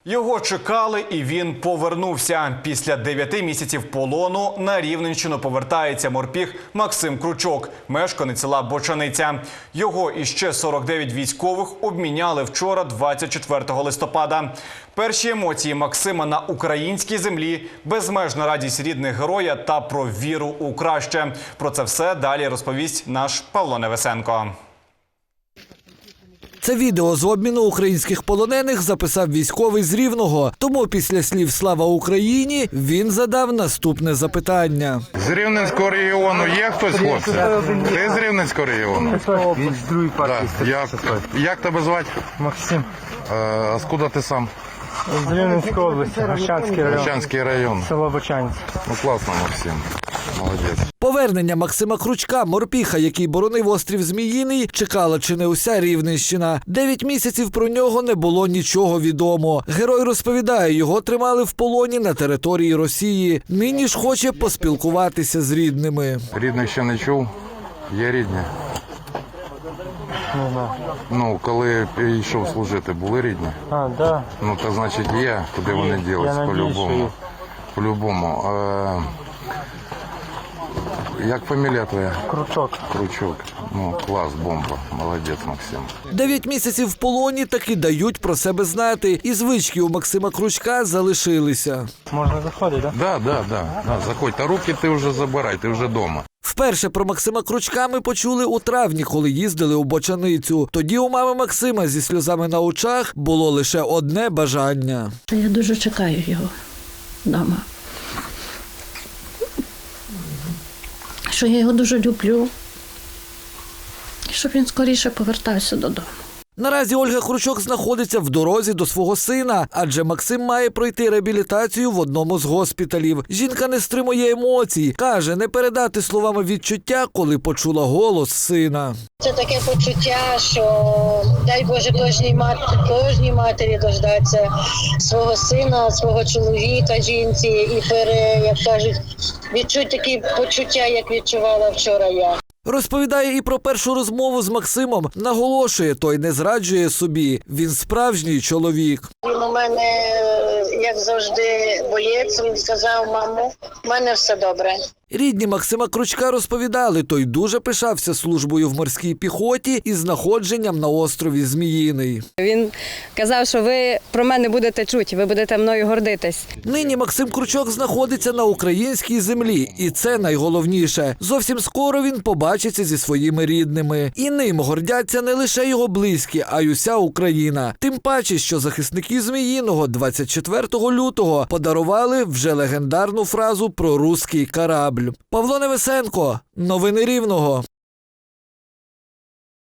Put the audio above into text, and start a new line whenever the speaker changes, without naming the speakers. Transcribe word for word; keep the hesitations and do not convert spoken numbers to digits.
Його чекали, і він повернувся. Після дев'яти місяців полону на Рівненщину повертається морпіг Максим Кручок, мешканець села Бочаниця. Його і ще сорок дев'ять військових обміняли вчора, двадцять четвертого листопада. Перші емоції Максима на українській землі, безмежна радість рідних героя та про віру у краще. Про це все далі розповість наш Павло Невесенко.
Це відео з обміну українських полонених записав військовий з Рівного. Тому після слів «Слава Україні» він задав наступне запитання.
З Рівненського регіону є хтось, хлопці? Ти з Рівненського регіону?
Він з другої партії.
Так. Як, як тебе звати?
Максим.
Е, а скуда ти сам?
З Рівненської області, Гощанський район.
Гощанський район.
Село Бочанець.
Ну класно, Максим. Молодець.
Повернення Максима Кручка, морпіха, який боронив острів Зміїний, чекала чи не уся Рівненщина. Дев'ять місяців про нього не було нічого відомо. Герой розповідає, його тримали в полоні на території Росії. Нині ж хоче поспілкуватися з рідними.
Рідних ще не чув? Є рідні?
Не знаю.
Ну, коли йшов служити, були рідні?
А, да.
Ну, то значить є, куди вони ділись,
Я надіюсь, що
по-любому.
є.
По-любому. Е, як фамілія твоя?
Кручок.
Кручок. Ну, клас, бомба. Молодець, Максим.
Дев'ять місяців в полоні таки дають про себе знати. І звички у Максима Кручка залишилися.
Можна заходити, так?
Да, да, да, да. Заходь, та руки ти вже забирай, ти вже вдома.
Вперше про Максима Кручка ми почули у травні, коли їздили у Бочаницю. Тоді у мами Максима зі сльозами на очах було лише одне бажання.
Я дуже чекаю його вдома. Що я його дуже люблю. І щоб він скоріше повертався додому.
Наразі Ольга Кручок знаходиться в дорозі до свого сина, адже Максим має пройти реабілітацію в одному з госпіталів. Жінка не стримує емоцій. Каже, не передати словами відчуття, коли почула голос сина.
Це таке почуття, що дай Боже кожній матері, кожній матері дождатися свого сина, свого чоловіка, жінці і пере, як кажуть, відчуть такі почуття, як відчувала вчора я.
Розповідає і про першу розмову з Максимом. Наголошує, той не зраджує собі. Він справжній чоловік.
Він у мене, як завжди, боєць. Він сказав: мамо, в мене все добре.
Рідні Максима Кручка розповідали, той дуже пишався службою в морській піхоті і знаходженням на острові Зміїний.
Він казав, що ви про мене будете чути, ви будете мною гордитись.
Нині Максим Кручок знаходиться на українській землі, і це найголовніше. Зовсім скоро він побачиться зі своїми рідними. І ним гордяться не лише його близькі, а й уся Україна. Тим паче, що захисники Зміїного двадцять четвертого лютого подарували вже легендарну фразу про руський корабль. Павло Невесенко. Новини Рівного.